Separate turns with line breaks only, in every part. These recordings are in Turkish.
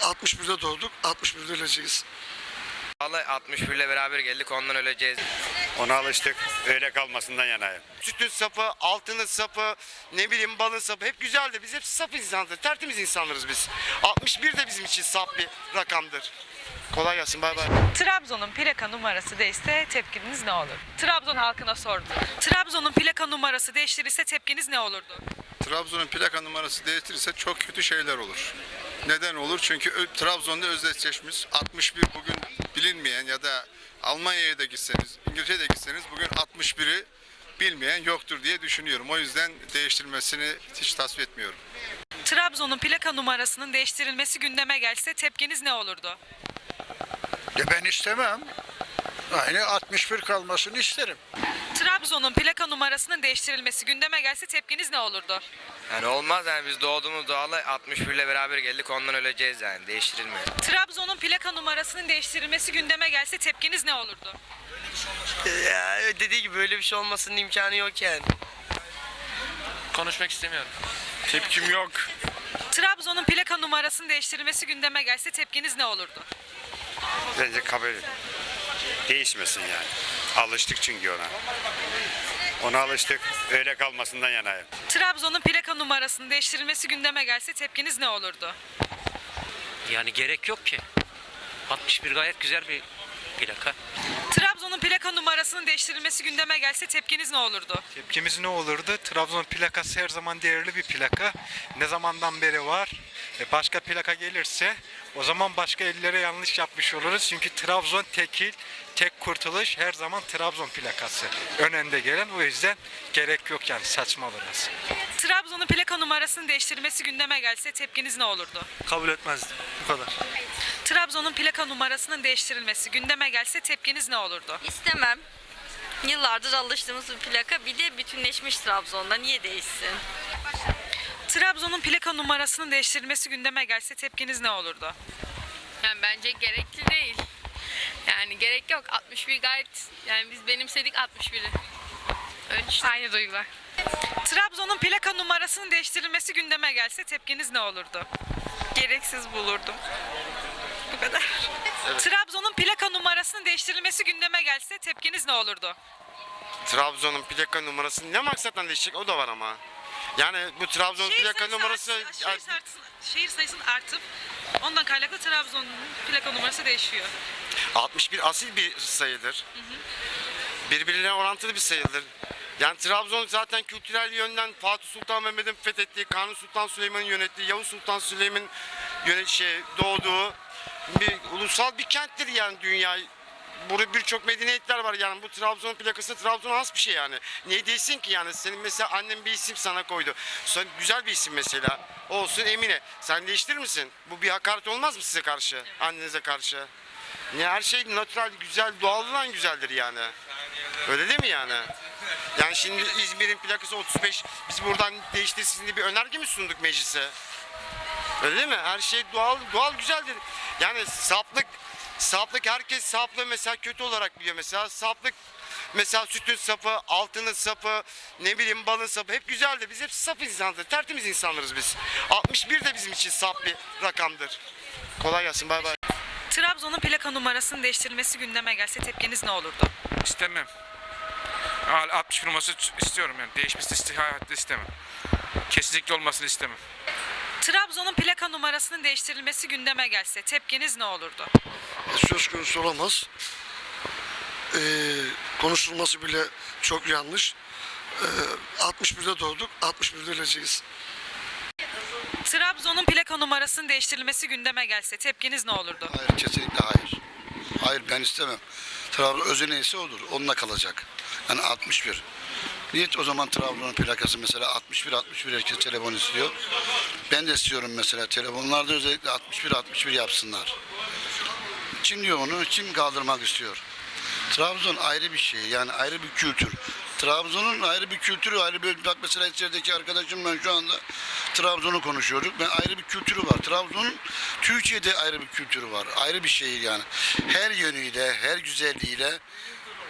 61'de doğduk, 61'de öleceğiz.
Vallahi 61 ile beraber geldik, ondan öleceğiz.
Ona alıştık. Öyle kalmasından yanayım.
Sütün sapı, altının sapı, ne bileyim balın sapı hep güzeldi. Biz hep saf insanlarız, tertemiz insanlarız biz. 61 de bizim için saf bir rakamdır. Kolay gelsin, bay bay.
Trabzon'un plaka numarası değişse tepkiniz ne olur? Trabzon halkına sorduk. Trabzon'un plaka numarası değiştirirse tepkiniz ne olurdu?
Trabzon'un plaka numarası değiştirirse çok kötü şeyler olur. Neden olur? Çünkü Trabzon'da özdeşleşmiş 61 bugün bilinmeyen ya da Almanya'ya da gitseniz, İngiltere'ye de gitseniz bugün 61'i bilmeyen yoktur diye düşünüyorum. O yüzden değiştirilmesini hiç tasvip etmiyorum.
Trabzon'un plaka numarasının değiştirilmesi gündeme gelse tepkiniz ne olurdu?
Ya ben istemem. Aynı 61 kalmasını isterim.
Trabzon'un plaka numarasının değiştirilmesi gündeme gelse tepkiniz ne olurdu?
Yani olmaz yani, biz doğduğumuz doğalı 61 ile beraber geldik, ondan öleceğiz yani, değiştirilmiyor.
Trabzon'un plaka numarasının değiştirilmesi gündeme gelse tepkiniz ne olurdu?
Ya dediği gibi böyle bir şey olmasının imkanı yok yani.
Konuşmak istemiyorum.
Tepkim yok.
Trabzon'un plaka numarasının değiştirilmesi gündeme gelse tepkiniz ne olurdu?
Bence kabul değişmesin yani. Alıştık çünkü ona. Ona alıştık. Öyle kalmasından yanayım.
Trabzon'un plaka numarasının değiştirilmesi gündeme gelse tepkiniz ne olurdu?
Yani gerek yok ki. 61 gayet güzel bir plaka.
Trabzon'un plaka numarasının değiştirilmesi gündeme gelse tepkiniz ne olurdu?
Tepkimiz ne olurdu? Trabzon plakası her zaman değerli bir plaka. Ne zamandan beri var. Başka plaka gelirse o zaman başka ellere yanlış yapmış oluruz. Çünkü Trabzon tekil, tek kurtuluş her zaman Trabzon plakası. Ön önde gelen, o yüzden gerek yok yani, saçma biraz.
Trabzon'un plaka numarasının değiştirilmesi gündeme gelse tepkiniz ne olurdu?
Kabul etmezdim. Bu kadar.
Trabzon'un plaka numarasının değiştirilmesi gündeme gelse tepkiniz ne olurdu?
İstemem. Yıllardır alıştığımız bir plaka, bir de bütünleşmiş Trabzon'da, niye değişsin?
Trabzon'un plaka numarasının değiştirilmesi gündeme gelse tepkiniz ne olurdu?
Yani bence gerekli değil. Yani gerek yok. 61 gayet, yani biz benimsedik 61'i. Öyle işte. Aynı duygular.
Trabzon'un plaka numarasının değiştirilmesi gündeme gelse tepkiniz ne olurdu?
Gereksiz bulurdum. Bu kadar.
Trabzon'un plaka numarasının değiştirilmesi gündeme gelse tepkiniz ne olurdu?
Trabzon'un plaka numarası ne maksatla değişecek, o da var ama. Yani bu Trabzon plaka numarası...
Şehir sayısının artıp ondan kaynaklı Trabzon'un plaka numarası değişiyor.
61 asil bir sayıdır. Birbirine orantılı bir sayıdır. Yani Trabzon zaten kültürel yönden Fatih Sultan Mehmet'in fethettiği, Kanuni Sultan Süleyman'ın yönettiği, Yavuz Sultan Süleyman'ın doğduğu bir ulusal bir kenttir yani dünya. Burada birçok medeniyetler var yani, bu Trabzon plakası Trabzon'a has bir şey yani. Niye değilsin ki yani? Senin mesela annen bir isim sana koydu. Sonra güzel bir isim mesela. Olsun Emine. Sen değiştirir misin? Bu bir hakaret olmaz mı size karşı? Annenize karşı? Ne, her şey natural, güzel, doğalından güzeldir yani. Öyle değil mi yani? Yani şimdi İzmir'in plakası 35. Biz buradan değiştirsin diye bir önerge mi sunduk meclise? Öyle değil mi? Her şey doğal güzeldir. Yani saplık herkes saplığı mesela kötü olarak biliyor mesela. Saplık mesela sütün sapı, altının sapı, ne bileyim balın sapı hep güzeldi. Biz hep saf insanlarız, tertemiz insanlarız biz. 61 de bizim için saf bir rakamdır. Kolay gelsin, bay bay.
Trabzon'un plaka numarasının değiştirilmesi gündeme gelse tepkiniz ne olurdu?
İstemem. 61 numarası istiyorum yani. Değişmesini hayatta istemem. Kesinlikle olmasını istemem.
Trabzon'un plaka numarasının değiştirilmesi gündeme gelse tepkiniz ne olurdu?
Söz konusu olamaz. Konuşulması bile çok yanlış. 61'de doğduk, 61'de öleceğiz.
Trabzon'un plaka numarasının değiştirilmesi gündeme gelse tepkiniz ne olurdu?
Hayır, kesinlikle hayır. Hayır, ben istemem. Trabzon özü neyse odur, onunla kalacak. Yani 61. Niye o zaman Trabzon'un plakası mesela 61 herkes telefon istiyor. Ben de istiyorum mesela, telefonlarda özellikle 61 yapsınlar. Kim diyor onu? Kim kaldırmak istiyor? Trabzon ayrı bir şey, yani ayrı bir kültür. Trabzon'un ayrı bir kültürü, ayrı bir, bak mesela içerideki arkadaşımla şu anda Trabzon'u konuşuyoruz. Ben ayrı bir kültürü var. Trabzon'un Türkiye'de ayrı bir kültürü var. Ayrı bir şehir yani. Her yönüyle, her güzelliğiyle.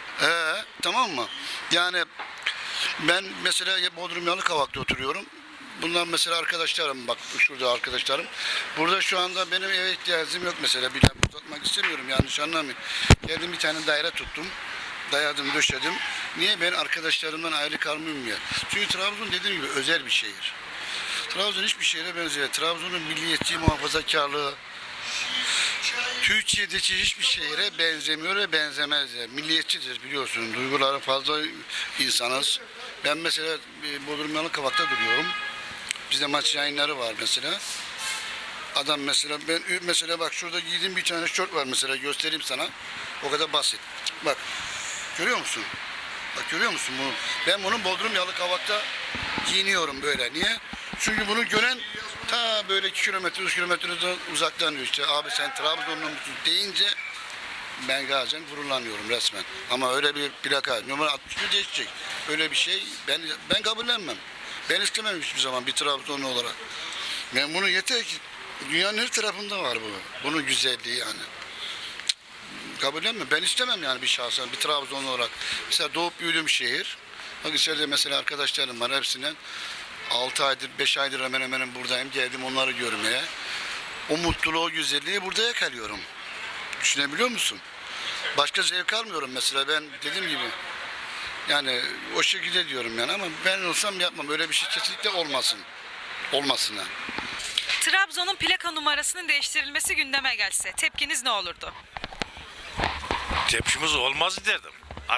Tamam mı? Yani ben mesela Bodrum Yalıkavak'ta oturuyorum. bunlar mesela arkadaşlarım, bak şurada arkadaşlarım. Burada şu anda benim eve ihtiyacım yok mesela. Bir laf uzatmak istemiyorum, yanlış anlamayın. Geldim bir tane daire tuttum. Dayadım, döşedim. Niye? Ben arkadaşlarımdan ayrı kalmayayım ya. Çünkü Trabzon dediğim gibi özel bir şehir. Trabzon hiçbir şehre benziyor. Trabzon'un milliyetçi muhafazakarlığı Türkiye'deki hiçbir şehre benzemiyor ve benzemez. Yani. Milliyetçidir biliyorsun. Duyguları fazla insanız. Ben mesela Bodrum Yalıkavak'ta duruyorum. Bizde maç yayınları var mesela. Adam mesela ben mesela bak şurada giydiğim bir tane şort var mesela, göstereyim sana. O kadar basit. Bak. Görüyor musun? Bak görüyor musun bunu? Ben bunu Bodrum Yalıkavak'ta giyiniyorum böyle. Niye? Çünkü bunu gören ta böyle 2 kilometre, 3 kilometre uzaktan diyor işte. Abi sen Trabzonlu musun deyince ben gazen gururlanıyorum resmen. Ama öyle bir plaka, numara 61 değişecek. Öyle bir şey ben kabullenmem. Ben istemem hiçbir zaman bir Trabzonlu olarak. Ben bunu yeter ki dünyanın her tarafında var bu. Bunun güzelliği yani. Kabullenmem. Ben istemem yani bir şahsen, bir Trabzonlu olarak. Mesela doğup büyüdüğüm şehir. Bak içeride mesela arkadaşlarım var hepsinden. 6 aydır, 5 aydır hemen hemen buradayım. Geldim onları görmeye. O mutluluğu, o güzelliği burada yakalıyorum. Düşünebiliyor musun? Başka zevk almıyorum mesela. Ben dediğim gibi yani o şekilde diyorum yani, ama ben olsam yapmam. Öyle bir şey kesinlikle olmasın. Olmasın yani.
Trabzon'un plaka numarasının değiştirilmesi gündeme gelse tepkiniz ne olurdu?
Tepkimiz olmaz derdim.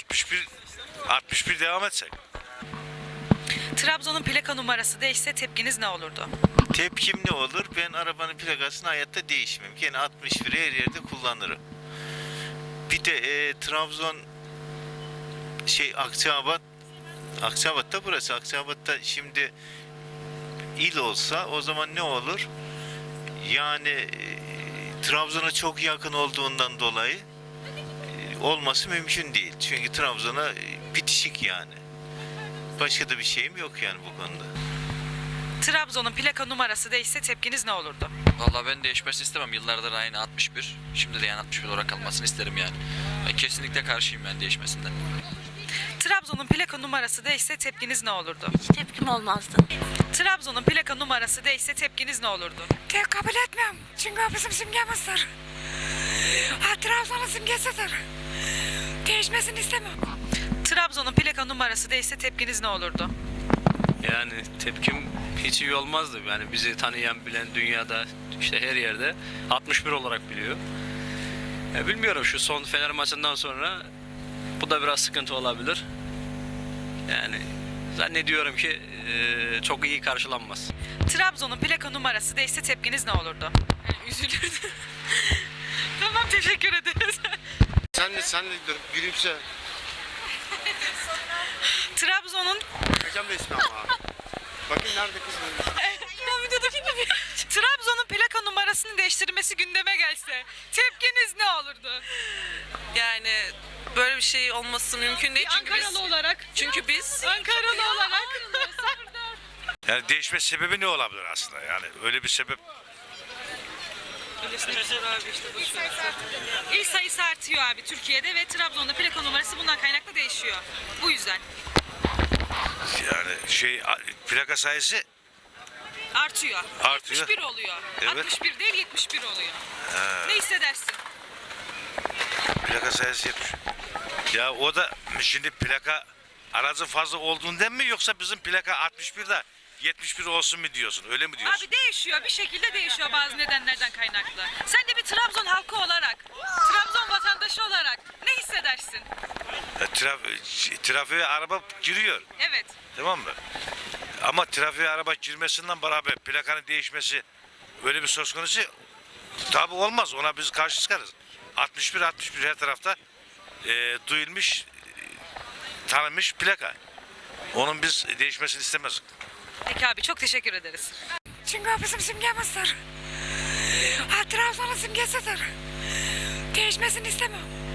61 devam etsek.
Trabzon'un plaka numarası değişse tepkiniz ne olurdu?
Tepkim ne olur? Ben arabanın plakasını hayatta değişmem. Yine 61'i her yerde kullanırım. Bir de Trabzon Akçabat'ta burası. Akçabat'ta şimdi il olsa o zaman ne olur? Yani Trabzon'a çok yakın olduğundan dolayı olması mümkün değil. Çünkü Trabzon'a bitişik yani. Başka da bir şeyim yok yani bu konuda.
Trabzon'un plaka numarası değişse tepkiniz ne olurdu?
Vallahi ben değişmesini istemem. Yıllardır aynı 61. Şimdi de yani 61 olarak kalmasını isterim yani. Ben kesinlikle karşıyım ben değişmesinden.
Trabzon'un plaka numarası değişse tepkiniz ne olurdu?
Hiç tepkim olmazdı.
Trabzon'un plaka numarası değişse tepkiniz ne olurdu?
Kabul etmem. Çünkü o bizim simgemizdir. Trabzon'un simgesidir. Değişmesini istemem.
Trabzon'un plaka numarası değişse tepkiniz ne olurdu?
Yani tepkim hiç iyi olmazdı. Yani bizi tanıyan, bilen dünyada işte her yerde 61 olarak biliyor. Ya bilmiyorum, şu son Fener maçından sonra bu da biraz sıkıntı olabilir. Yani zannediyorum ki çok iyi karşılanmaz.
Trabzon'un plaka numarası değişse tepkiniz ne olurdu? Üzülürdüm. Tamam, teşekkür ederiz.
Sen de gülümse.
Trabzon'un
Hocam da ismi ama. Bakın nerede kız?
Trabzon'un plaka numarasının değiştirilmesi gündeme gelse tepkiniz ne olurdu?
Yani böyle bir şey olması mümkün değil.
Ankaralı olarak.
Çünkü biz
Ankaralı olarak.
Yani değişme sebebi ne olabilir aslında? Yani öyle bir sebep.
İl sayısı artıyor abi Türkiye'de ve Trabzon'da plaka numarası bundan kaynaklı değişiyor. Bu yüzden.
Yani plaka sayısı
Artıyor.
Artıyor.
61 oluyor.
Evet.
61 değil 71 oluyor. Ne hissedersin?
plaka sayısı 70. Ya o da şimdi plaka aracı fazla olduğundan mı, yoksa bizim plaka 61'de 71 olsun mu diyorsun? Öyle mi diyorsun?
Abi değişiyor. Bir şekilde değişiyor bazı nedenlerden kaynaklı. Sen de bir Trabzon halkı olarak, Trabzon vatandaşı olarak ne hissedersin?
Trafiğe araba giriyor.
Evet.
Tamam mı? Ama trafiğe araba girmesinden beraber plakanın değişmesi öyle bir söz konusu tabi olmaz. Ona biz karşı çıkarız. 61 her tarafta duyulmuş, tanınmış plaka. Onun biz değişmesini istemez.
Peki abi, çok teşekkür ederiz.
çünkü o bizim simgemizdir. Trabzon'un simgesidir. Değişmesini istemem.